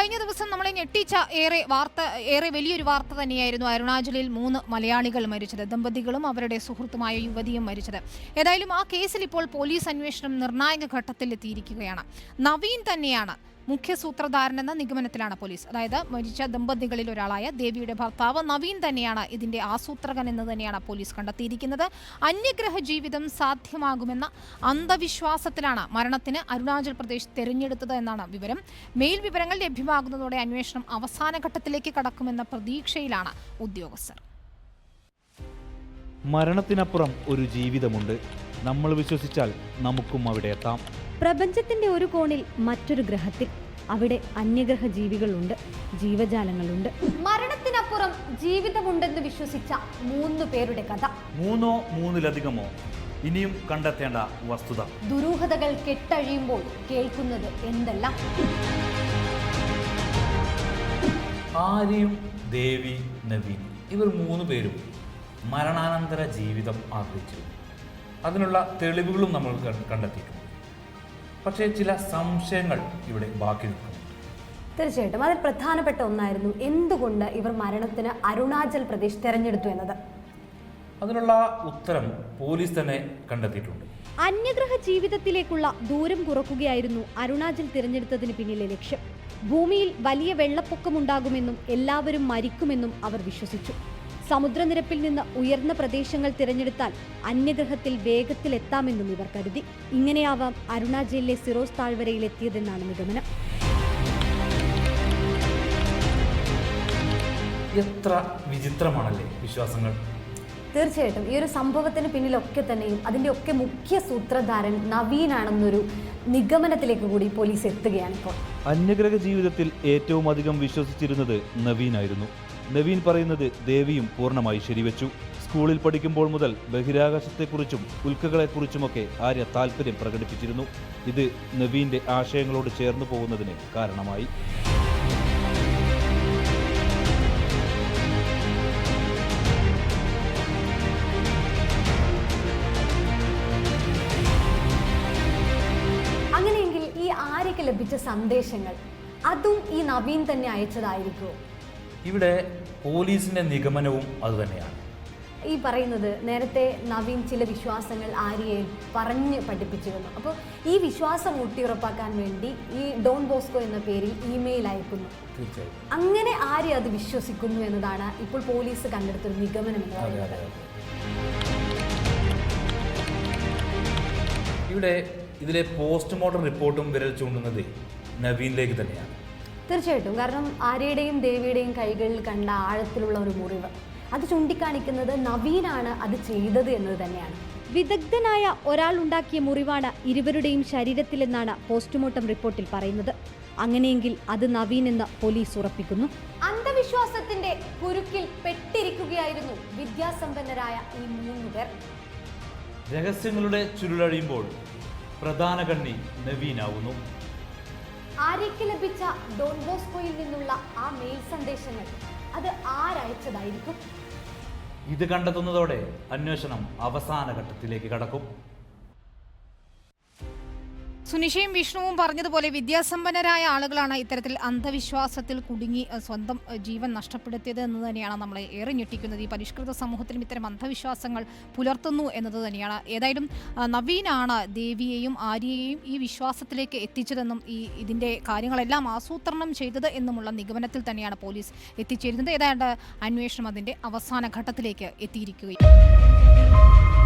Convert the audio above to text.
കഴിഞ്ഞ ദിവസം നമ്മളെ ഞെട്ടിച്ച ഏറെ വലിയൊരു വാർത്ത തന്നെയായിരുന്നു അരുണാചലിൽ 3 മലയാളികൾ മരിച്ചത്. ദമ്പതികളും അവരുടെ സുഹൃത്തുമായ യുവതിയും മരിച്ചത്. ഏതായാലും ആ കേസിൽ ഇപ്പോൾ പോലീസ് അന്വേഷണം നിർണായക ഘട്ടത്തിൽ എത്തിയിരിക്കുകയാണ്. നവീൻ തന്നെയാണ് മുഖ്യ സൂത്രധാരനെന്ന നിഗമനത്തിലാണ് പോലീസ്. അതായത് മരിച്ച ദമ്പതികളിൽ ഒരാളായ ദേവിയുടെ ഭർത്താവ് നവീൻ തന്നെയാണ് ഇതിന്റെ ആസൂത്രകൻ എന്ന് തന്നെയാണ് പോലീസ് കണ്ടെത്തിയിരിക്കുന്നത്. അന്യഗ്രഹ ജീവിതം സാധ്യമാകുമെന്ന അന്ധവിശ്വാസത്തിലാണ് മരണത്തിന് അരുണാചൽ പ്രദേശ് തെരഞ്ഞെടുത്തത് എന്നാണ് വിവരം. മെയിൽ വിവരങ്ങൾ ലഭ്യമാകുന്നതോടെ അന്വേഷണം അവസാന ഘട്ടത്തിലേക്ക് കടക്കുമെന്ന പ്രതീക്ഷയിലാണ് ഉദ്യോഗസ്ഥർ. മരണത്തിനപ്പുറം ഒരു ജീവിതമുണ്ട്. നമ്മൾ വിശ്വസിച്ചാൽ നമുക്കും അവിടെ എത്താം. പ്രപഞ്ചത്തിന്റെ ഒരു കോണിൽ മറ്റൊരു ഗ്രഹത്തിൽ അവിടെ അന്യഗ്രഹ ജീവികളുണ്ട്, ജീവജാലങ്ങളുണ്ട്. മരണത്തിനപ്പുറം ജീവിതമുണ്ടെന്ന് വിശ്വസിച്ച 3 പേരുടെ കഥ. 3 3-ലധികമോ ഇനിയും കണ്ടെത്തേണ്ട വസ്തുത. ദുരൂഹതകൾ കെട്ടഴിയുമ്പോൾ കേൾക്കുന്നത് എന്തെല്ലാം. ആര്യയും ദേവി, നവീൻ ഇവർ 3 പേരും മരണാനന്തര ജീവിതം ആഗ്രഹിച്ചു. അതിനുള്ള തെളിവുകളും നമ്മൾ കണ്ടെത്തിയിട്ടുണ്ട്. പക്ഷേ ചില സംശയങ്ങൾ ഇവിടെ ബാക്കി നിൽക്കുന്നു. തീർച്ചയായിട്ടും അതിൽ പ്രധാനപ്പെട്ട ഒന്നായിരുന്നു എന്തുകൊണ്ട് ഇവർ മരണത്തിന് അരുണാചൽ പ്രദേശ് തെരഞ്ഞെടുത്തു എന്നത്. അതിനുള്ള ഉത്തരം പോലീസ് തന്നെ കണ്ടെത്തിയിട്ടുണ്ട്. അന്യഗ്രഹ ജീവിതത്തിലേക്കുള്ള ദൂരം കുറക്കുകയായിരുന്നു അരുണാചൽ തിരഞ്ഞെടുത്തതിന് പിന്നിലെ ലക്ഷ്യം. ഭൂമിയിൽ വലിയ വെള്ളപ്പൊക്കമുണ്ടാകുമെന്നും എല്ലാവരും മരിക്കുമെന്നും അവർ വിശ്വസിച്ചു. സമുദ്രനിരപ്പിൽ നിന്ന് ഉയർന്ന പ്രദേശങ്ങൾ തിരഞ്ഞെടുത്താൽ അന്യഗ്രഹത്തിൽ വേഗത്തിൽ എത്താമെന്നും ഇവർ കരുതി. ഇങ്ങനെയാവാം അരുണാചലിലെ സിറോസ് താഴ്വരയിൽ എത്തിയതെന്നാണ് നിഗമനം. എത്ര വിചിത്രമാണല്ലേ വിശ്വാസങ്ങൾ. തീർച്ചയായിട്ടും ഈ ഒരു സംഭവത്തിന് പിന്നിലൊക്കെ തന്നെയും അതിൻ്റെ ഒക്കെ മുഖ്യ സൂത്രധാരൻ നവീനാണെന്നൊരു നിഗമനത്തിലേക്ക് കൂടി പോലീസ് എത്തുകയാണ് ഇപ്പോൾ. അന്യഗ്രഹ ജീവിതത്തിൽ ഏറ്റവും അധികം വിശ്വസിച്ചിരുന്നത് നവീനായിരുന്നു. നവീൻ പറയുന്നത് ദേവിയും പൂർണ്ണമായി ശരിവെച്ചു. സ്കൂളിൽ പഠിക്കുമ്പോൾ മുതൽ ബഹിരാകാശത്തെക്കുറിച്ചും ഉൽക്കകളെക്കുറിച്ചുമൊക്കെ ആര്യ താല്പര്യം പ്രകടിപ്പിച്ചിരുന്നു. ഇത് നവീന്റെ ആശയങ്ങളോട് ചേർന്നു പോകുന്നതിന് കാരണമായി. അങ്ങനെയെങ്കിൽ ഈ ആര്യക്ക് ലഭിച്ച സന്ദേശങ്ങൾ അതും ഈ നവീൻ തന്നെ അയച്ചതായിരിക്കുമോ? ഇവിടെ പോലീസിന്റെ നിഗമനവും അതുതന്നെയാണ്. ഈ പറയുന്നത് നേരത്തെ നവീൻ ചില വിശ്വാസങ്ങൾ ആര്യയെ പറഞ്ഞ് പഠിപ്പിച്ചിരുന്നു. അപ്പോൾ ഈ വിശ്വാസം ഊട്ടിയുറപ്പാക്കാൻ വേണ്ടി ഈ ഡോൺ ബോസ്കോ എന്ന പേരിൽ ഇമെയിൽ അയക്കുന്നു. അങ്ങനെ ആര്യ അത് വിശ്വസിക്കുന്നു എന്നതാണ് ഇപ്പോൾ പോലീസ് കണ്ടെടുത്തൊരു നിഗമനം എന്ന് പറയുന്നത്. ഇവിടെ ഇതിലെ പോസ്റ്റ്മോർട്ടം റിപ്പോർട്ടും വിരൽ ചൂണ്ടുന്നത് നവീനിലേക്ക് തന്നെയാണ്. തീർച്ചയായിട്ടും. കാരണം ആര്യയുടെയും ദേവിയുടെയും കൈകളിൽ കണ്ട ആഴത്തിലുള്ള ഒരു മുറിവ് അത് ചൂണ്ടിക്കാണിക്കുന്നത് നവീനാണ് അത് ചെയ്തത് എന്നത് തന്നെയാണ്. വിദഗ്ധനായ ഒരാൾ ഉണ്ടാക്കിയ മുറിവാണ് ഇരുവരുടെയും ശരീരത്തിലെന്നാണ് പോസ്റ്റ്മോർട്ടം റിപ്പോർട്ടിൽ പറയുന്നത്. അങ്ങനെയെങ്കിൽ അത് നവീൻ എന്ന് പോലീസ് ഉറപ്പിക്കുന്നു. അന്ധവിശ്വാസത്തിന്റെ കുരുക്കിൽ പെട്ടിരിക്കുകയായിരുന്നു വിദ്യാസമ്പന്നരായ ഈ 3 പേർ. രഹസ്യങ്ങളുടെ ചുരുളഴിയുമ്പോൾ പ്രധാന കണ്ണി നവീനാവുന്നു. ആര്യയ്ക്ക് ലഭിച്ച ഡോൺ ബോസ്കോയിൽ നിന്നുള്ള ആ മെയിൽ സന്ദേശങ്ങൾ അത് ആരയച്ചതായിരിക്കും? ഇത് കണ്ടെത്തുന്നതോടെ അന്വേഷണം അവസാന ഘട്ടത്തിലേക്ക് കടക്കും. സുനിഷയും വിഷ്ണുവും പറഞ്ഞതുപോലെ വിദ്യാസമ്പന്നരായ ആളുകളാണ് ഇത്തരത്തിൽ അന്ധവിശ്വാസത്തിൽ കുടുങ്ങി സ്വന്തം ജീവൻ നഷ്ടപ്പെടുത്തിയത് എന്ന് തന്നെയാണ് നമ്മളെ ഏറെ ഞെട്ടിക്കുന്നത്. ഈ പരിഷ്കൃത സമൂഹത്തിലും ഇത്തരം അന്ധവിശ്വാസങ്ങൾ പുലർത്തുന്നു എന്നത് തന്നെയാണ്. ഏതായാലും നവീനാണ് ദേവിയെയും ആര്യയെയും ഈ വിശ്വാസത്തിലേക്ക് എത്തിച്ചതെന്നും ഇതിൻ്റെ കാര്യങ്ങളെല്ലാം ആസൂത്രണം ചെയ്തത് എന്നുമുള്ള നിഗമനത്തിൽ തന്നെയാണ് പോലീസ് എത്തിച്ചേരുന്നത്. ഏതാണ്ട് അന്വേഷണം അതിൻ്റെ അവസാന ഘട്ടത്തിലേക്ക് എത്തിയിരിക്കുകയും